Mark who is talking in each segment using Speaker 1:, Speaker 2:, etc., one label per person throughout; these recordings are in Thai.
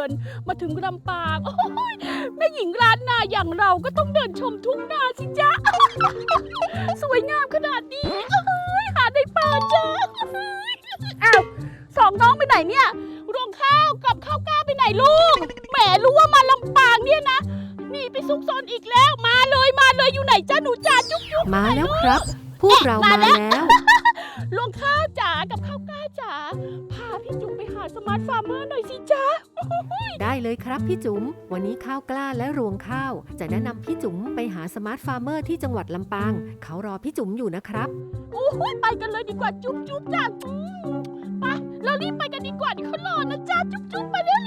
Speaker 1: นมาถึงลำปางโอ้ยแม่หญิงล้านนาอย่างเราก็ต้องเดินชมทุ่งนาสิจ๊ะ สวยงามขนาดนี้หาได้ปลาจ้ะอ้าวสองน้องไปไหนเนี่ยรวงข้าวกับข้าวกล้าไปไหนลูกแหมรู้ว่ามาลำปางเนี่ยนะนี่ไปซุกซนอีกแล้วมาเลยอยู่ไหนจ้าหนูจ๋าจุ๊บ
Speaker 2: มาแล้วครับพวกเรามาแล้ว
Speaker 1: รวงข้าวจ๋ากับข้าวกล้าจ๋าพาพี่จุ๋มไปหาสมาร์ทฟาร์มเมอร์หน่อยสิจ๊ะ
Speaker 2: ได้เลยครับพี่จุ๋มวันนี้ข้าวกล้าและรวงข้าวจะแนะนำพี่จุ๋มไปหาสมาร์ทฟาร์มเมอร์ที่จังหวัดลำปางเขารอพี่จุ๋มอยู่นะครับ
Speaker 1: โอ้ยไปกันเลยดีกว่าจุ๊บจ้าไปเรารีบไปกันดีกว่าเดี๋ยวเขารอนะจ๊ะจุ๊บไปเร็ว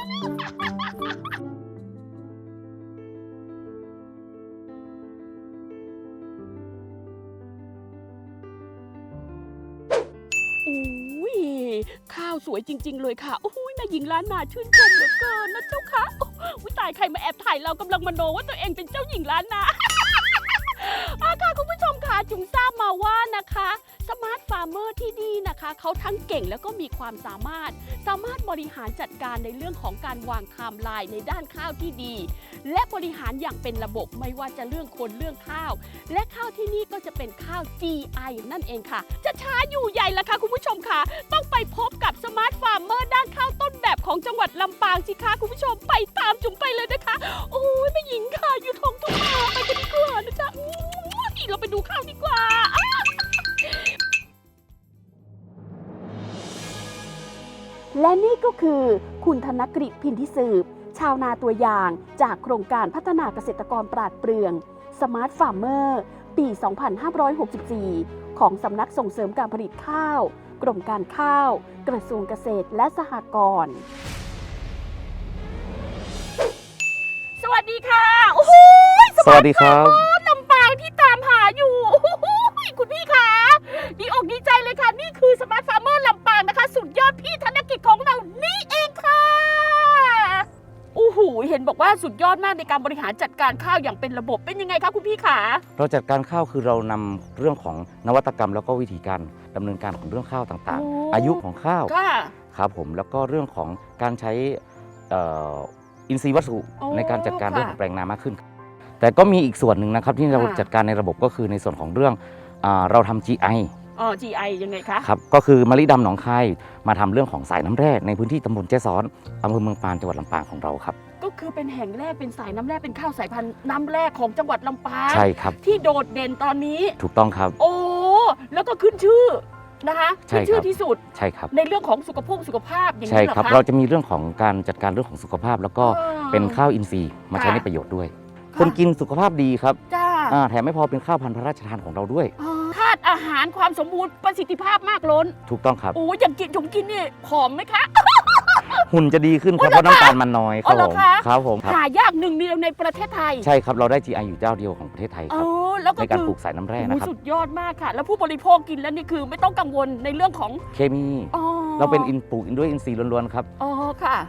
Speaker 1: โอ้ยข้าวสวยจริงๆเลยค่ะโอ้ยแม่หญิงล้านนาชื่นชมเหลือเกินนะเจ้าค่ะอุ้ยตายใครมาแอบถ่ายเรากำลังมโนว่าตัวเองเป็นเจ้าหญิงล้านนาค่ะคุณผู้ชมค่ะจุ๋มทราบมาว่านะคะสมาร์ทฟาร์มเมอร์ที่นี่นะคะเขาทั้งเก่งแล้วก็มีความสามารถบริหารจัดการในเรื่องของการวางไทม์ไลน์ในด้านข้าวที่ดีและบริหารอย่างเป็นระบบไม่ว่าจะเรื่องคนเรื่องข้าวและข้าวที่นี่ก็จะเป็นข้าว GI นั่นเองค่ะจะช้าอยู่ใหญ่ละค่ะคุณผู้ชมค่ะต้องไปพบกับสมาร์ทฟาร์มเมอร์ด้านข้าวต้นแบบของจังหวัดลำปางสิคะคุณผู้ชมไปตามจุ๋มไปเลยนะคะโอ้ยแม่หญิงค่ะอยู่ท้องทุ่งนาไปกันดีกว่านะจ๊ะเราไปดูข้าวดีกว่าและนี่ก็คือคุณธนกฤษพินทิสืบชาวนาตัวอย่างจากโครงการพัฒนาเกษตรกรปราดเปรื่องสมาร์ทฟาร์มเมอร์ปี 2564 ของสำนักส่งเสริมการผลิตข้าวกรมการข้าวกระทรวงเกษตรและสหกรณ์สวัสดีค่ะโอ้โห
Speaker 3: สวัสดีครับ
Speaker 1: ลำปางที่ตามหาอยู่คุณพี่คะดีอกดีใจเลยค่ะนี่คือสมาร์ทฟาร์มเมอร์ลำปางนะคะสุดยอดพี่ธนกิจของเรานี่เองค่ะโอ้โหเห็นบอกว่าสุดยอดมากในการบริหารจัดการข้าวอย่างเป็นระบบเป็นยังไงคะคุณพี่คะ
Speaker 3: เราจัดการข้าวคือเรานำเรื่องของนวัตกรรมแล้วก็วิธีการดำเนินการของเรื่องข้าวต่างๆอายุของข้าวครับผมแล้วก็เรื่องของการใช้อินทรีย์วัตถุในการจัดการเรื่องของแปลงนามากขึ้นแต่ก็มีอีกส่วนหนึ่งนะครับที่เราจัดการในระบบก็คือในส่วนของเรื่องเราทำ GI
Speaker 1: GI ยังไงคะ
Speaker 3: ครับก็คือมะลิดำหนองคายมาทำเรื่องของสายน้ำแร่ในพื้นที่ตำบลแจ้ซ้อนอำเภอเมืองปานจังหวัดลำปางของเราครับ
Speaker 1: ก็คือเป็นแห่งแรกเป็นสายน้ำแร่เป็นข้าวสายพันธุ์น้ำแร่ของจังหวัดลำปาง
Speaker 3: ใช่ครับ
Speaker 1: ที่โดดเด่นตอนนี้
Speaker 3: ถูกต้องครับ
Speaker 1: โอ้แล้วก็ขึ้นชื่อนะคะขึ้นชื่อที่สุด
Speaker 3: ใช่ครับ
Speaker 1: ในเรื่องของสุขภาพอย่างนี้เหรอคะ
Speaker 3: ใช่ครับเราจะมีเรื่องของการจัดการเรื่องของสุขภาพแล้วก็เป็นข้าวอินทรีย์มาใช้ในประโยชน์ด้วยคนกินสุขภาพดีครับแถมไม่พอเป็นข้าวพันธุ์พระราชทานของเราด้วย
Speaker 1: ธาตุอาหารความสมบูรณ์ประสิทธิภาพมากล้น
Speaker 3: ถูกต้องครับ
Speaker 1: โอ้อย่างกินผมกินนี่ผอมไหมคะ
Speaker 3: หุ่นจะดีขึ้นครับเพราะน้ำตาลมันน้อยครับผม
Speaker 1: หายากหนึ่งเดียวในประเทศไทย
Speaker 3: ใช่ครับเราได้ GI อยู่เจ้าเดียวของประเทศไทยครับในการปลูกสายน้ำแร่นะครับ
Speaker 1: สุดยอดมากค่ะแล้วผู้บริโภคกินแล้วนี่คือไม่ต้องกังวลในเรื่องของ
Speaker 3: เคมีเราเป็นปลูกด้วยอินทรีย์ล้วนๆครับ
Speaker 1: อ๋อค่ะ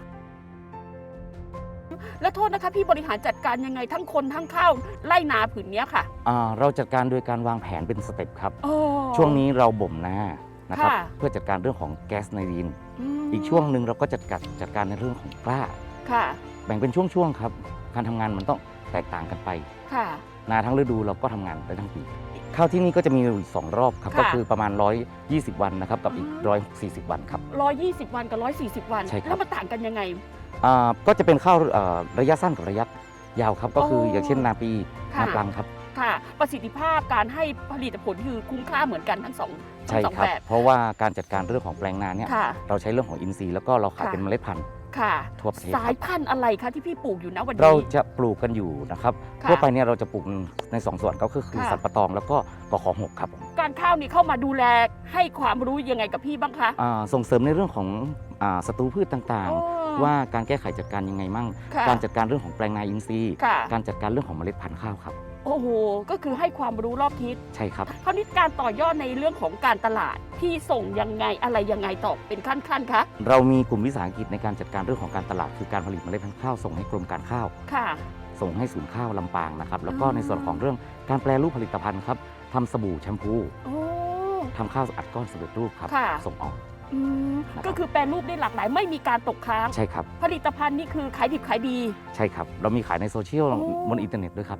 Speaker 1: แล้วโทษนะคะพี่บริหารจัดการยังไงทั้งคนทั้งข้าวไร่นาผืนนี้ค่ะ
Speaker 3: เราจัดการโดยการวางแผนเป็นสเต็ปครับช่วงนี้เราบ่มนานะครับเพื่อจัดการเรื่องของแก๊สไนรีนอีกช่วงหนึ่งเราก็จัดการในเรื่องของกล้าแบ่งเป็นช่วงๆครับการทำงานมันต้องแตกต่างกันไปนาทั้งฤดูเราก็ทำงานได้ทั้งปีข้าวที่นี่ก็จะมีอยู่2รอบครับก็คือประมาณ120วันนะครับกับอีก140วันครับ
Speaker 1: 120วันกับ140วันแล้วมันต่างกันยังไง
Speaker 3: ก็จะเป็นข้าวระยะสั้นกับระยะยาวครับก็คืออย่างเช่นนาปีนาปลังครับ
Speaker 1: ค่ะประสิทธิภาพการให้ผลิตผลคือคุ้มค่าเหมือนกันทั้งสองแบบ
Speaker 3: เพราะว่าการจัดการเรื่องของแปลงนาเนี่ยเราใช้เรื่องของอินทรีย์แล้วก็เราขายเป็นเมล็ดพันธุ์ทั่วประเทศ
Speaker 1: สายพันธุ์อะไรคะที่พี่ปลูกอยู่นะวันนี้
Speaker 3: เราจะปลูกกันอยู่นะครับทั่วไปเนี่ยเราจะปลูกใน2ส่วนก็คือสันปะตองแล้วก็กข6ครับ
Speaker 1: การข้าวนี่เข้ามาดูแลให้ความรู้ยังไงกับพี่บ้างคะ
Speaker 3: ส่งเสริมในเรื่องของศัตรูพืชต่างๆว่าการแก้ไขจัดการยังไงมั่งการจัดการเรื่องของแปลงนาอินทรีย์การจัดการเรื่องของเมล็ดพันธุ์ข้าวครับ
Speaker 1: โอ้โหก็คือให้ความรู้รอบทิศ
Speaker 3: ใช่ครับ
Speaker 1: คราวนี้การต่อยอดในเรื่องของการตลาดพี่ส่งยังไงอะไรยังไงต่อเป็นขั้นคะ
Speaker 3: เรามีกลุ่มวิสาหกิจในการจัดการเรื่องของการตลาดคือการผลิตเมล็ดพันธุ์ข้าวส่งให้กรมการข้าวส่งให้ศูนย์ข้าวลำปางนะครับแล้วก็ในส่วนของเรื่องการแปรรูปผลิตภัณฑ์ครับทำสบู่แชมพูทำข้าวอัดก้อนสำเร็จรูปครับส่งออก
Speaker 1: ก็คือแปรรูปได้หลากหลายไม่มีการตกค้าง
Speaker 3: ใช่ครับ
Speaker 1: ผลิตภัณฑ์นี่คือขายดิบขายดี
Speaker 3: ใช่ครับ เรามีขายในโซเชียล
Speaker 1: โอ้
Speaker 3: บนอินเทอร์เน็ตด้วยครับ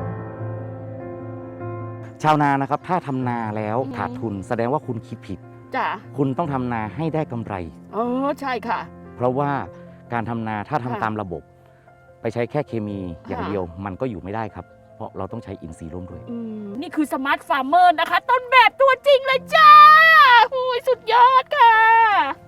Speaker 3: ชาวนานะครับถ้าทำนาแล้วขาดทุนแสดงว่าคุณคิดผิด
Speaker 1: จ้ะ
Speaker 3: คุณต้องทำนาให้ได้กำไร
Speaker 1: ใช่ค่ะ
Speaker 3: เพราะว่าการทำนาถ้าทำ
Speaker 1: ค่ะ
Speaker 3: ตามระบบ ไปใช้แค่เคมีอย่าง
Speaker 1: ค่ะ
Speaker 3: เดียวมันก็อยู่ไม่ได้ครับ เพราะเราต้องใช้อินทรีย์ร่วมด้วย
Speaker 1: นี่คือสมาร์ทฟาร์มเมอร์นะคะ ต้นแบบตัวจริงเลยจ้าโอ้ยสุดยอดค่ะ